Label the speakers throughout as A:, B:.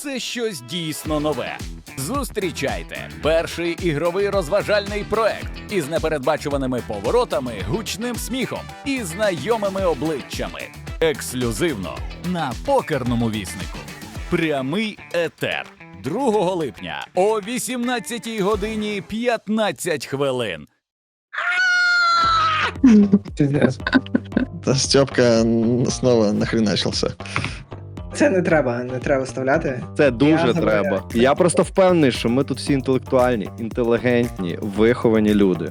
A: це щось дійсно нове. Зустрічайте перший ігровий розважальний проект із непередбачуваними поворотами, гучним сміхом і знайомими обличчями. Ексклюзивно на Покерному віснику. Прямий етер. 2 липня о 18 годині 15 хвилин.
B: Да, Степка снова нахреначился.
C: Це не треба вставляти.
D: Це дуже
C: Я
D: треба.
C: забираю.
D: Я просто впевнений, що ми тут всі інтелектуальні, інтелігентні, виховані люди.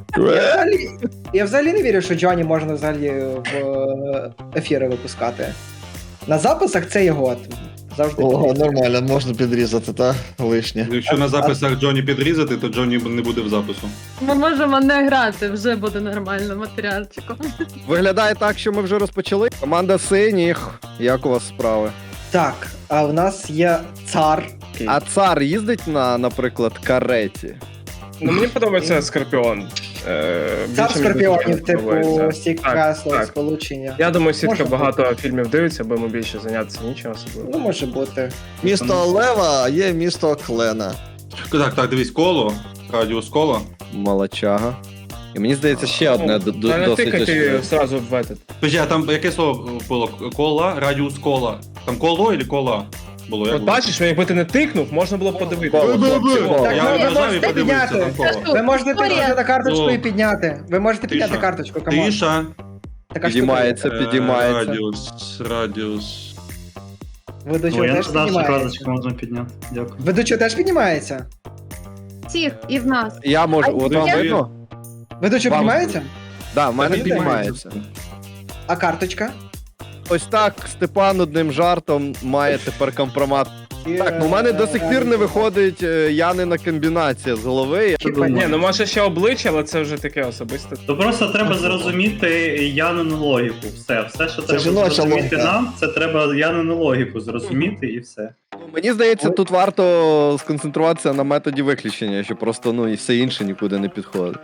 C: Я взагалі не вірю, що Джоні можна взагалі в ефіри випускати. На записах це його завжди.
B: О,
C: підрізати.
B: нормально, можна підрізати, та? Лишнє.
E: Якщо на записах Джоні підрізати, то Джоні не буде в запису.
F: Ми можемо не грати, вже буде нормально матеріальчиком.
D: Виглядає так, що ми вже розпочали. Команда синіх. Як у вас справи?
C: Так, а в нас є цар.
D: А цар їздить на, наприклад, кареті?
G: Ну, мені подобається Скорпіон.
C: Цар скорпіонів, типу
G: подобається.
C: Сікасло,
G: так.
C: сполучення.
G: Я думаю, сітка
C: Може
G: багато фільмів дивиться, бо йому більше зайнятися нічого особливого.
C: Ну, може бути.
B: Місто Лева, а є місто Клена.
E: Так, дивись, коло, радіус кола.
D: Молодчага. І мені здається, ще одне
G: Та не
D: досить
G: тикати
D: очевидне.
G: одразу в этот.
E: Тож, а там яке слово було? Кола, радіус кола. Там коло чи кола було? Як
G: От
E: було?
G: бачиш, якби ти не тикнув, можна було подивитися.
D: Коло.
C: Так,
E: Я
C: ви
E: нажав і
C: можете
E: подивився,
C: підняти.
E: там коло.
C: Ви можете тикнути на карточку
E: О.
C: і підняти. Ви можете підняти
E: Тиша.
C: карточку, камон.
E: Тиша.
C: Така штука.
D: Підіймається, підіймається.
E: Радіус.
C: Ведучого
H: О, я не
C: теж
H: знав, що
C: піднімається.
H: карточку можна підняти. Дякую.
C: Ведучого теж піднімається?
F: Всіх і в нас.
D: Я можу,
F: А
D: от вам
F: є?
D: видно?
C: Ведучого
D: Вам-
C: піднімається?
D: Да, в мене
C: Піднімається.
D: піднімається.
C: А карточка?
D: Ось так Степан одним жартом має тепер компромат. Так, ну в мене до сих пір не виходить Янина комбінація з голови.
G: Ні, ну може ще обличчя, але це вже таке особисте.
H: То просто треба зрозуміти Янину логіку. Все, що треба
B: жіноча
H: зрозуміти
B: логіка.
H: нам, це треба Янину логіку зрозуміти і все.
D: Мені здається, тут варто сконцентруватися на методі виключення, що просто ну і все інше нікуди не підходить.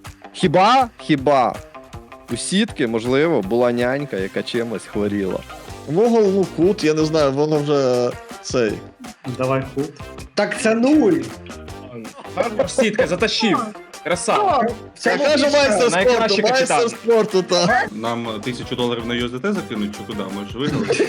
D: Хіба у сітки, можливо, була нянька, яка чимось хворіла.
B: Вугол, ну кут, я не знаю, воно вже цей.
H: Давай кут.
C: Так це 0.
G: Сітка, затащив. Красава.
C: Це
B: Я кажу майстер
G: Найкращий
B: спорту, майстер
G: капітан.
B: спорту, та.
E: Нам $1000 на USDT закинуть чи куди? Ми ж виграли.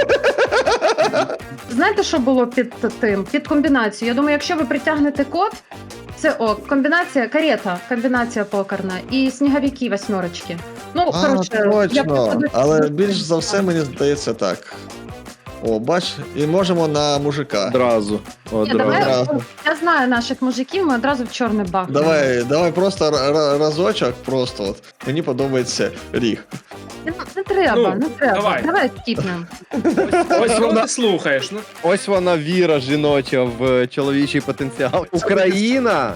F: Знаєте, що було під тим? Під комбінацією. Я думаю, якщо ви притягнете код, це комбінація, карета, комбінація покерна і сніговики восьмерочки. Ну,
B: А,
F: коротше, я
B: точно.
F: просто-
B: Але більш за все, мені здається так. О, бач, і можемо на мужика.
D: Одразу.
F: Ні, давай,
B: Одразу.
F: я знаю наших мужиків, ми одразу в чорний бах.
B: Давай просто разочок, просто от. Мені подобається ріг.
F: Не треба,
G: Ну,
F: не треба.
G: давай.
F: Давай скіпнемо.
G: Ось кого
D: вона-
G: ти слухаєш. Ну,
D: Ось вона віра жіноча в чоловічий потенціал. Україна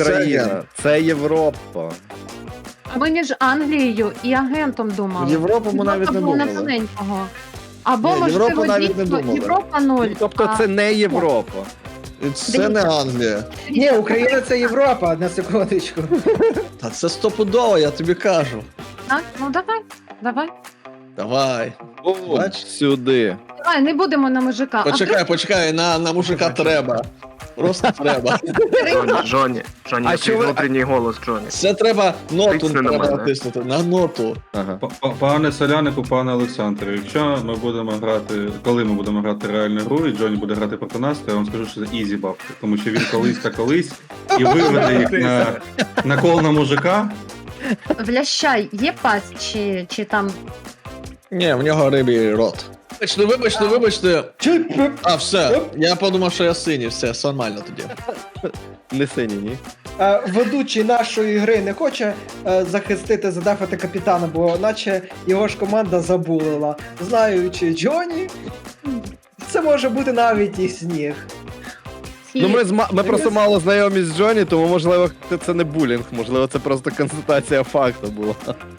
D: це Європа.
F: А ми між Англією і агентом думали.
B: Європу ми навіть не
F: було
B: думали.
F: тоненького. Або,
B: Ні,
F: можливо,
B: Європу навіть не
F: дійсно
B: думали.
F: Європа 0.
D: Тобто це не Європа.
B: І це не Англія.
C: Ні, Україна це Європа, на секундочку.
B: Та це стопудово, я тобі кажу.
F: Так, ну давай.
B: Давай. Бач?
D: Сюди.
F: Давай, не будемо на мужика.
B: Почекай, на мужика треба. Просто треба.
I: Джоні,
D: А що ви-
I: внутрішній голос Джоні.
B: Це треба ноту
I: Тисни на
B: треба
I: мене.
B: натиснути. На ноту.
D: Ага.
E: Пане Солянику, пане Олександре, якщо ми будемо грати, коли ми будемо грати реальну гру, і Джоні буде грати проти нас, то я вам скажу, що це ізі бабки. Тому що він колись та колись і виведе їх на кол на мужика.
F: В лящай є пасть чи там.
B: Ні, в нього рибій рот. Вибачте. А, все. Я подумав, що я синій, все нормально тоді.
D: Не сині, ні.
C: Ведучий нашої гри не хоче захистити, задафати капітана, бо наче його ж команда забулила. Знаючи Джоні, це може бути навіть і сніг.
D: Ну ми просто мало знайомі з Джоні, тому можливо це не булінг, можливо це просто констатація факту була.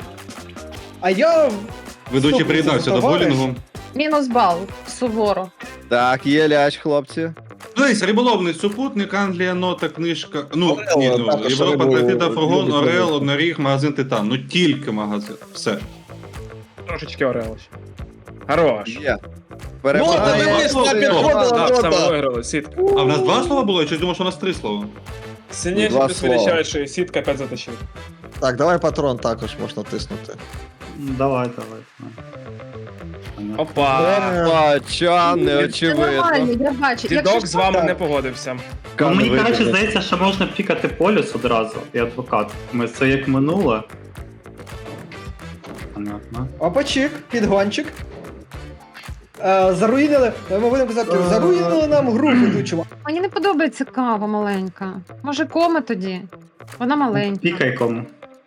C: А я...
E: Ведучий
C: Стоп,
E: приєднався до
C: товариш.
E: булінгу.
F: Мінус бал, суворо.
D: Так, є ляч, хлопці.
E: Дивись, риболовний супутник, Англія, нота, книжка. Ну,
B: Орел,
E: ні, ну
B: також
E: Європа,
B: рибу
E: Антарктида, Фургон,
B: любить
E: Орел,
B: ловити.
E: Одноріг, магазин Титан. Ну тільки магазин. Все.
G: трошечки Орел ще. Хорош.
D: Є. Перемагає.
B: дивись,
D: Рота.
B: на підходила
G: Так,
B: рота.
G: саме виграли, сітка.
E: А в нас 2 слова було? Я щось думав, що у нас 3 слова.
G: Сильніше
D: Два
G: плюс
D: слова.
G: вирішаючий, сітка 5 затащив.
B: Так, давай патрон також можна тиснути.
H: Давай.
G: Опа!
D: Опа, ча,
F: Це
D: неочевидно.
F: нормально, я бачу.
G: Дідок з вами
C: так.
G: не погодився.
H: Ну, мені
D: Кан
H: краще
D: виграє.
H: здається, що можна пікати полюс одразу і адвокат. Це як минуле. Понятно.
C: Опачик, підгончик. Заруїнили, ми будемо казати, заруїнили нам гру ведучого.
F: Мені не подобається кава маленька. Може, кома тоді? Вона маленька.
H: Пікай кому.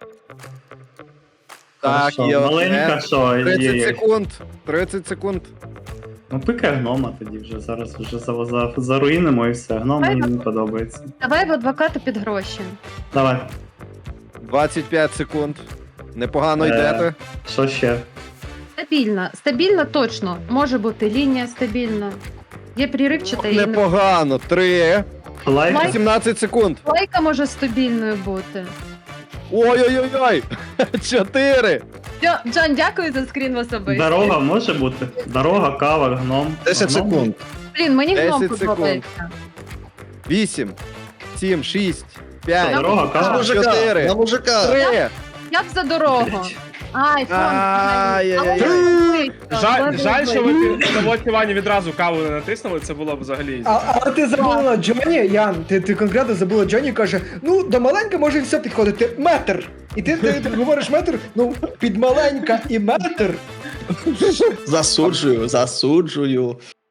D: Так,
H: Хорошо.
D: є
H: Маленька,
D: одне.
H: що
D: 30
H: є.
D: секунд. 30 секунд.
H: Ну, пикай гнома тоді вже. Зараз вже заруїнимо і все. Гном мені не подобається.
F: Давай в адвоката під гроші.
H: Давай.
D: 25 секунд. Непогано
H: Е.
D: йдете.
H: Що ще?
F: Стабільна точно. Може бути лінія стабільна. Є пріривчата і
D: Непогано. 3.
H: Лайк?
F: Лайк.
D: 17 секунд.
F: лайка може стабільною бути.
D: Ой-ой-ой-ой. 4.
F: Джон, дякую за скрін в особисто.
H: Дорога може бути? Дорога, кава, гном.
B: 10
H: Гном?
B: секунд.
F: Блін, мені
D: 10
F: гном
D: секунд.
F: подобається.
D: 8. 7, 6, 5,
H: Дорога,
B: На
H: кава.
B: мужика,
D: 4.
B: на мужика.
D: 3.
F: Я б за дорогу. Ай, фон.
D: Ай-яй-яй.
G: Жаль, що ви під Івані відразу каву не натиснули, це було б взагалі ізі.
C: А ти забула Джоні, Ян, ти конкретно забула Джоні, каже, ну, до маленька може все підходити, метр. І ти говориш метр, ну, під маленька і метр.
B: Засуджую.